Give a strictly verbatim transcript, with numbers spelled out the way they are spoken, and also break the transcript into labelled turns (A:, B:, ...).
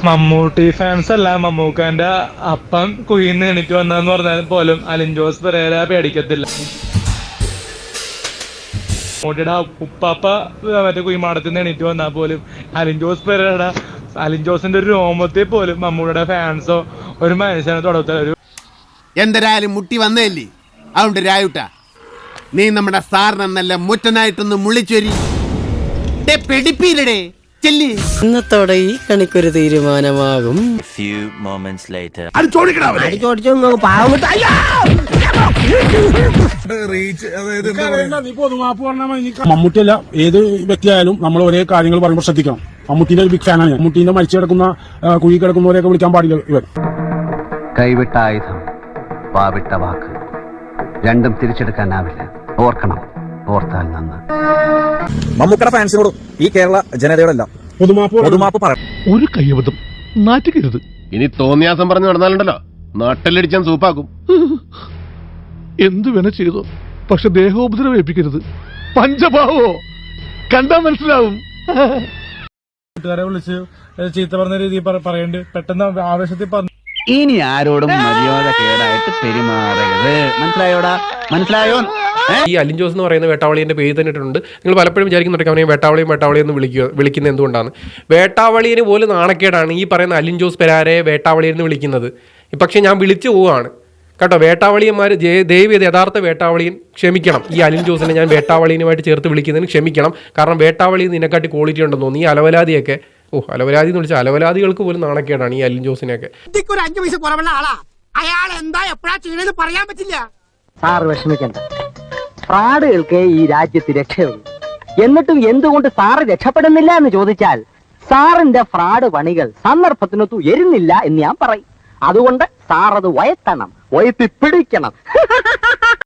A: Mammootty fans അല്ല, മമ്മൂക്കാന്റെ അപ്പം കുയിന്ന് എണീറ്റ് വന്നതെന്ന് പറഞ്ഞാൽ പോലും അലിൻ ജോസ് പെരേര പേടിക്കത്തില്ല. മമ്മൂട്ടിയുടെ ഉപ്പാപ്പ മറ്റേ കുയിമാടത്തിൽ നിന്ന് എണീറ്റ് വന്നാൽ പോലും അലിൻ ജോസ് പെരേര അലിൻ ജോസിന്റെ ഒരു രോമത്തെ പോലും മമ്മൂട്ടിയുടെ ഫാൻസോ ഒരു മനുഷ്യനെ തൊടത്തില്ല. ഒരു
B: എന്തരായാലും മുട്ടി വന്നേല്ലേ, അതുകൊണ്ട് രായുട്ട നീ നമ്മുടെ സാറിനെന്നല്ല മുറ്റനായിട്ടൊന്ന് മുള്ളിച്ചൊരി പെടിപ്പീരടേ.
C: ഇന്നത്തോടെ ഈ കണിക്കൊരു തീരുമാനമാകും.
D: മമ്മൂട്ടിയല്ല ഏത് വ്യക്തിയായാലും നമ്മൾ ഒരേ കാര്യങ്ങൾ പറയുമ്പോൾ ശ്രദ്ധിക്കണം. മമ്മൂട്ടിന്റെ ഒരു ബിഗ് ഫാനാണ് ഞാൻ. മമ്മൂട്ടിന്റെ മരിച്ചു കിടക്കുന്ന കുഴി കിടക്കുന്നവരെയൊക്കെ വിളിക്കാൻ പാടില്ല ഇവൻ.
E: കൈവിട്ട ആയുധം, വാവിട്ട വാക്ക്, രണ്ടും തിരിച്ചെടുക്കാനാവില്ല. ഓർക്കണം, ഓർത്താൽ നന്ന്.
F: മമ്മൂക്കയുടെ ഫാൻസിനോട് ഈ കേരള ജനതയോടല്ല പൊതുമാപ്പ് പറ.
G: ഒരു കയ്യബദ്ധം നാറ്റുകരുത്.
H: ഇനി തോന്നിയാസം പറഞ്ഞു നടന്നാലുണ്ടല്ലോ നാട്ടിലടിച്ചാൻ സൂപ്പാക്കും.
G: എന്തു വേണ ചെയ്തോ, പക്ഷെ ദേഹോപദ്രവം ഏൽപ്പിക്കരുത്. പഞ്ചഭാവോ കണ്ടാ മനസ്സിലാവും.
A: കൂട്ടുകാരെ വിളിച്ച് ചീത്ത പറഞ്ഞ രീതി പറയണ്ട്, പെട്ടെന്ന് ആവേശത്തിൽ പറഞ്ഞു.
E: ഇനി ആരോടും മര്യാദ കേടായിട്ട് പെരുമാറരുത്. മനസ്സിലായോടാ? മനസ്സിലായോ?
I: ഈ അലിൻ ജോസ് എന്ന് പറയുന്ന വേട്ടാവളിയുടെ പേര് തന്നെ ഇട്ടിട്ടുണ്ട്. നിങ്ങൾ പലപ്പോഴും വിചാരിക്കുന്നുണ്ടെങ്കിൽ അവനെ വേട്ടാവളിയും വേട്ടാവളിയും എന്ന് വിളിക്കുക വിളിക്കുന്നത് എന്തുകൊണ്ടാണ്? വേട്ടാവളിയെ പോലും നാണക്കേടാണ് ഈ പറയുന്ന അലിൻ ജോസ് പെരാരെ വേട്ടാവളിയെന്ന് വിളിക്കുന്നത്. പക്ഷേ ഞാൻ വിളിച്ചു പോവുകയാണ് കേട്ടോ. വേട്ടാവളിയന്മാർ ദയവ് ചെയ്ത് യഥാർത്ഥ വേട്ടാവളിയൻ ക്ഷമിക്കണം. ഈ അലിൻ ജോസിനെ ഞാൻ വേട്ടാവളിയുമായിട്ട് ചേർത്ത് വിളിക്കുന്നതിന് ക്ഷമിക്കണം. കാരണം വേട്ടാവളി നിന്നെക്കാട്ടി ക്വാളിറ്റി ഉണ്ടെന്ന് തോന്നി. ഈ അലവലാതിയൊക്കെ, ഓ അലവലാതി എന്ന് വിളിച്ചാൽ അലവലാദികൾക്ക് പോലും നാണക്കേടാണ് ഈ അലിൻ ജോസിനെയൊക്കെ.
C: സാറ് വിഷമിക്കണ്ട, ഫ്രാഡുകൾക്ക് ഈ രാജ്യത്ത് രക്ഷയുള്ളൂ. എന്നിട്ടും എന്തുകൊണ്ട് സാറ് രക്ഷപ്പെടുന്നില്ല എന്ന് ചോദിച്ചാൽ സാറിന്റെ ഫ്രാഡ് പണികൾ സന്ദർഭത്തിനൊത്തു എരുന്നില്ല എന്ന് ഞാൻ പറയും. അതുകൊണ്ട് സാർ അത് വയത്തണം, വയത്തി പിടിക്കണം.